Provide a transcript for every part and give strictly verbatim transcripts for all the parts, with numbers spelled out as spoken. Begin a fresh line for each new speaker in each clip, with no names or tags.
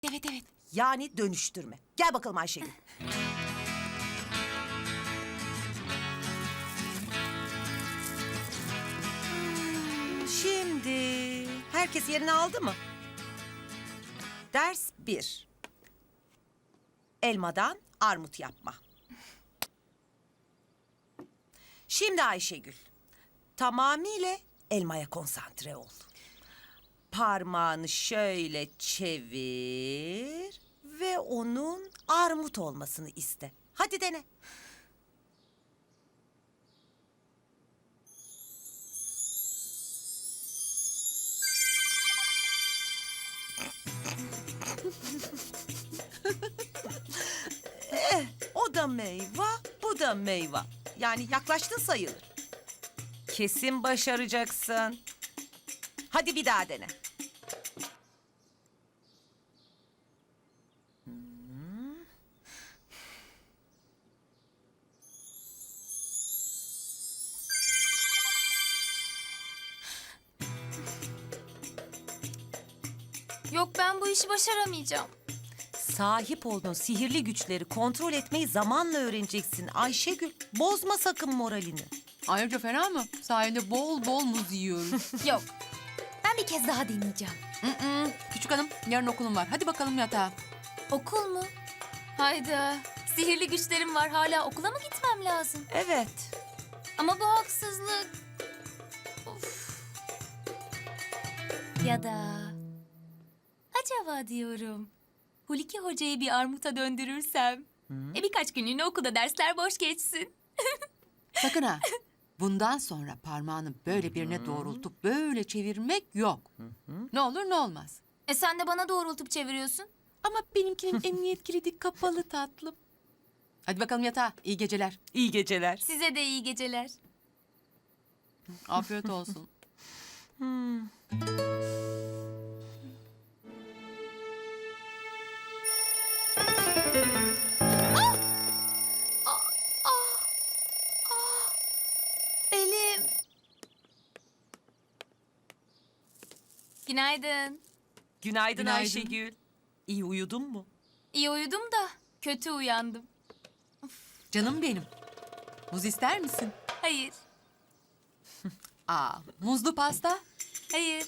Evet evet.
Yani dönüştürme. Gel bakalım Ayşegül. Hmm, Şimdi herkes yerini aldı mı? Ders bir. Elmadan armut yapma. Şimdi Ayşegül, tamamıyla elmaya konsantre ol. Parmağını şöyle çevir ve onun armut olmasını iste. Hadi dene. eh, o da meyve, bu da meyve. Yani yaklaştın sayılır. Kesin başaracaksın. Hadi bir daha dene.
Yok ben bu işi başaramayacağım.
Sahip olduğun sihirli güçleri kontrol etmeyi zamanla öğreneceksin Ayşegül. Bozma sakın moralini.
Ayrıca fena mı? Sahilde bol bol muz yiyoruz.
Yok. Ben bir kez daha deneyeceğim.
Mm-mm. Küçük hanım, yarın okulum var. Hadi bakalım yatağa.
Okul mu? Hayda. Sihirli güçlerim var. Hala okula mı gitmem lazım?
Evet.
Ama bu haksızlık. Of. Ya da... Acaba diyorum. Huliki Hoca'yı bir armuta döndürürsem... E birkaç günlüğüne okulda dersler boş geçsin.
Sakın ha. Bundan sonra parmağını böyle birine doğrultup böyle çevirmek yok. Ne olur ne olmaz.
E sen de bana doğrultup çeviriyorsun.
Ama benimkinin emniyet kilidi kapalı tatlım. Hadi bakalım yatağa. İyi geceler.
İyi geceler.
Size de iyi geceler.
Afiyet olsun.
Belim. Günaydın.
Günaydın,
Günaydın.
Ayşegül. İyi uyudun mu?
İyi uyudum da kötü uyandım.
Canım benim. Muz ister misin?
Hayır,
Aa, muzlu pasta,
hayır,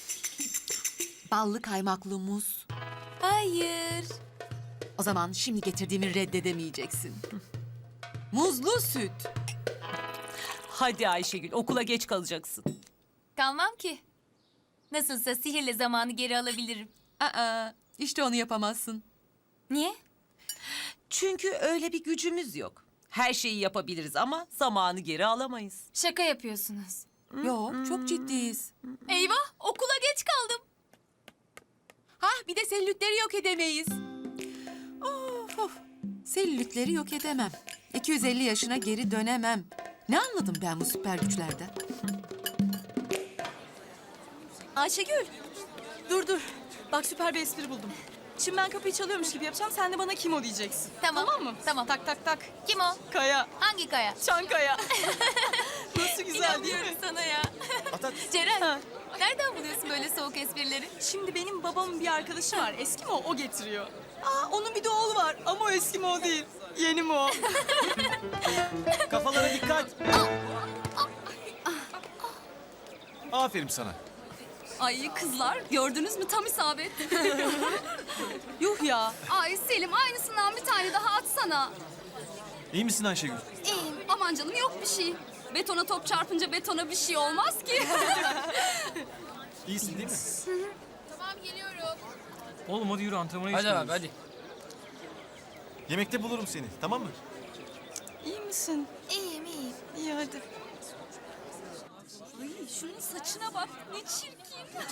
ballı kaymaklı muz.
hayır.
O zaman şimdi getirdiğimi reddedemeyeceksin. Muzlu süt.
Hadi Ayşegül, okula geç kalacaksın.
Kalmam ki. Nasılsa sihirle zamanı geri alabilirim.
Aa, işte onu yapamazsın.
Niye?
Çünkü öyle bir gücümüz yok. Her şeyi yapabiliriz ama zamanı geri alamayız.
Şaka yapıyorsunuz.
Yok, çok ciddiyiz.
Eyvah, okula geç kaldım.
Hah, bir de selülitleri yok edemeyiz. Of of. Selülitleri yok edemem. iki yüz elli yaşına geri dönemem. Ne anladım ben bu süper güçlerden?
Ayşegül, dur dur. Bak süper bir espri buldum. Şimdi ben kapıyı çalıyormuş gibi yapacağım. Sen de bana kim o diyeceksin.
Tamam,
Tamam mı?
tamam.
Tak tak tak.
Kim o?
Kaya.
Hangi Kaya?
Çankaya. Nasıl güzel değil
İnanmıyorum
mi?
sana ya.
Ha.
Ceren, nereden buluyorsun böyle soğuk esprileri?
Şimdi benim babamın bir arkadaşı var. Eski mi o? O getiriyor. Aa, onun bir de oğlu var. Ama o eski mi o değil. Yeni mi o?
Kafalara dikkat. Aferin sana.
Ay kızlar gördünüz mü tam isabet.
Yuh ya.
Ay Selim aynısından bir tane daha atsana.
İyi misin Ayşegül?
İyiyim aman canım yok bir şey. Betona top çarpınca betona bir şey olmaz ki.
İyisin değil mi?
Tamam geliyorum.
Oğlum hadi yürü antrenmana
Hadi
geçmiyoruz.
abi hadi.
Yemekte bulurum seni, tamam mı?
İyi misin?
İyiyim, iyiyim.
İyi hadi.
Ay şunun saçına bak ne çirkin.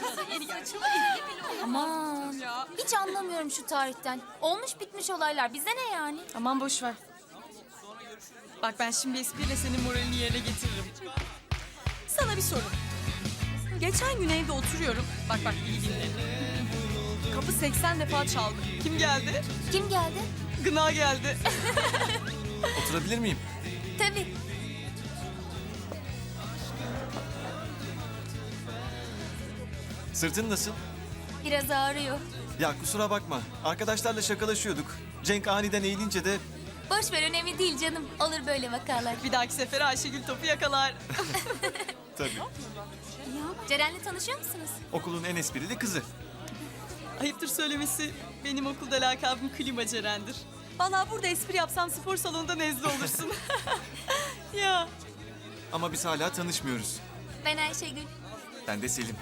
Aman, hiç anlamıyorum şu tarihten. Olmuş bitmiş olaylar. Bize ne yani?
Aman boş ver. Bak ben şimdi espriyle senin moralini yerine getiririm. Sana bir soru. Geçen gün evde oturuyorum. Bak bak iyi dinle. Kapı seksen defa çaldı. Kim geldi?
Kim geldi?
Gına geldi.
Oturabilir miyim?
Tabii.
Sırtın nasıl?
Biraz ağrıyor.
Ya kusura bakma. Arkadaşlarla şakalaşıyorduk. Cenk aniden eğilince de
Boş ver, önemli değil canım. Olur böyle vakalar.
Bir dahaki sefere Ayşegül topu yakalar.
tabii
Ceren'le tanışıyor musunuz?
okulun en esprili kızı.
Ayıptır söylemesi, benim okulda lakabım Klima Ceren'dir. Vallahi burada espri yapsam spor salonunda nezle olursun. Ya.
Ama biz hala tanışmıyoruz.
Ben Ayşegül.
Ben de Selim.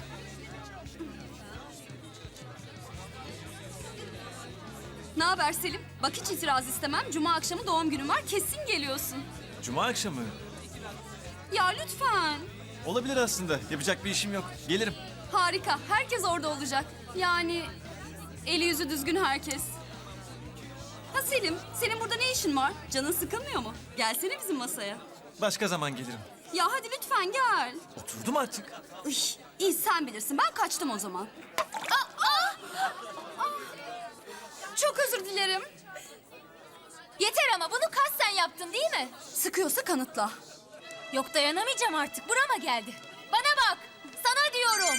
Ne haber Selim? Bak hiç itiraz istemem. Cuma akşamı doğum günüm var. Kesin geliyorsun.
Cuma akşamı.
Ya lütfen.
Olabilir aslında. Yapacak bir işim yok. Gelirim.
Harika. Herkes orada olacak. Yani eli yüzü düzgün herkes. Ha Selim, senin burada ne işin var? Canın sıkılmıyor mu? Gelsene bizim masaya.
Başka zaman gelirim.
Ya hadi lütfen gel.
Oturdum artık.
Uy, iyi sen bilirsin. Ben kaçtım o zaman. Aa, aa! Aa! Çok özür dilerim.
Yeter ama bunu kasten yaptın değil mi?
Sıkıyorsa kanıtla.
Yok, dayanamayacağım artık. Burama geldi. Bana bak. Sana diyorum.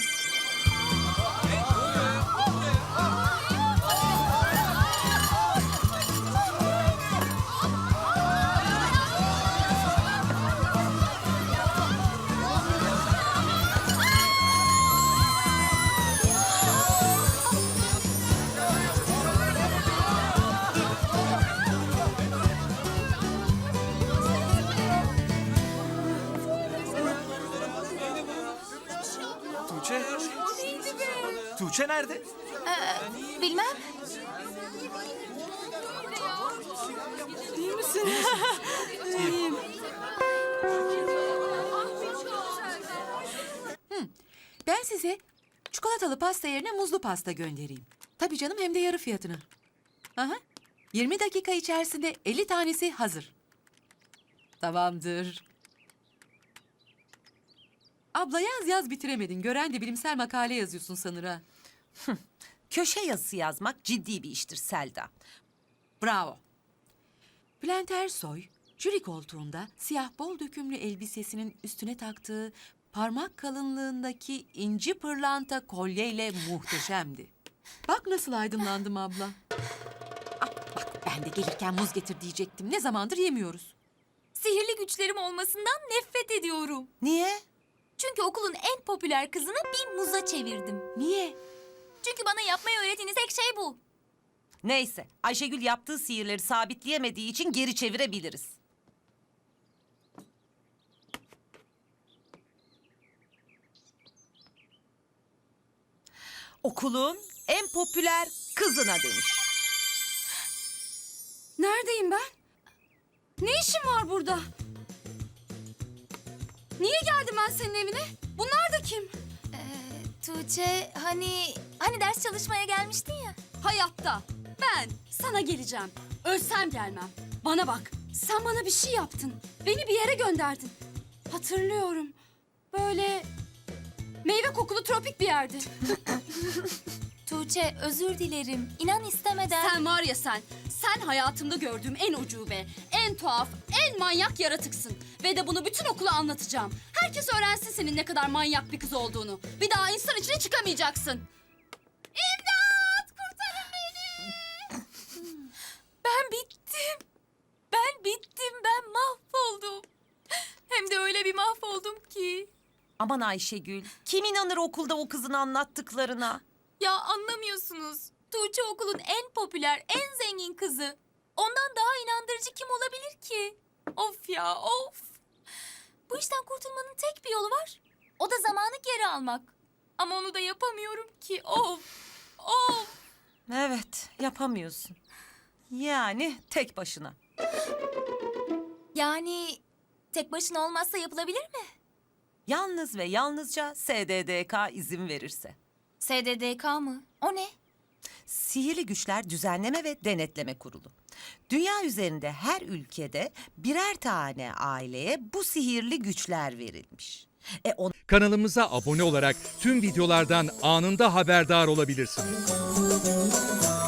Tuğçe. Tuğçe nerede?
Bilmem.
İyi misin?
Ben size çikolatalı pasta yerine muzlu pasta göndereyim. Tabii canım, hem de yarı fiyatına. Aha. yirmi dakika içerisinde elli tanesi hazır. Tamamdır. Abla yaz yaz bitiremedin. Gören de bilimsel makale yazıyorsun sanır ha.
Köşe yazısı yazmak ciddi bir iştir Selda.
Bravo. Bülent Ersoy, jüri koltuğunda siyah bol dökümlü elbisesinin üstüne taktığı parmak kalınlığındaki inci pırlanta kolyeyle muhteşemdi. Bak nasıl aydınlandım abla. Ah, bak ben de gelirken muz getir diyecektim. Ne zamandır yemiyoruz.
Sihirli güçlerim olmasından nefret ediyorum.
Niye?
Çünkü okulun en popüler kızını bir muza çevirdim.
Niye?
Çünkü bana yapmayı öğrettiğiniz tek şey bu.
Neyse, Ayşegül yaptığı sihirleri sabitleyemediği için geri çevirebiliriz. Okulun en popüler kızına dönüş.
Neredeyim ben? Ne işim var burada? Niye geldim ben senin evine? Bunlar da kim?
Tuğçe, hani hani ders çalışmaya gelmiştin ya.
Hayatta. Ben sana geleceğim. Ölsem gelmem. Bana bak. Sen bana bir şey yaptın. Beni bir yere gönderdin. Hatırlıyorum. Böyle meyve kokulu tropik bir yerdi.
Tuğçe, özür dilerim. İnan istemeden.
Sen var ya sen. Sen hayatımda gördüğüm en ucube, en tuhaf, en manyak yaratıksın. Ve de bunu bütün okula anlatacağım. Herkes öğrensin senin ne kadar manyak bir kız olduğunu. Bir daha insan içine çıkamayacaksın. İmdat! Kurtarın beni!
Ben bittim. Ben bittim. Ben mahvoldum. Hem de öyle bir mahvoldum ki.
Aman Ayşegül, kim inanır okulda o kızın anlattıklarına?
Ya anlamıyorsunuz. Tuğçe okulun en popüler, en zengin kızı. Ondan daha inandırıcı kim olabilir ki? Of ya, of. Bu işten kurtulmanın tek bir yolu var. O da zamanı geri almak. Ama onu da yapamıyorum ki. Of, of.
Evet, yapamıyorsun. Yani tek başına.
Yani tek başına olmazsa yapılabilir mi?
Yalnız ve yalnızca S D D K izin verirse.
S D D K mı? O ne?
Sihirli Güçler Düzenleme ve Denetleme Kurulu. Dünya üzerinde her ülkede birer tane aileye bu sihirli güçler verilmiş. E on
Kanalımıza abone olarak tüm videolardan anında haberdar olabilirsiniz.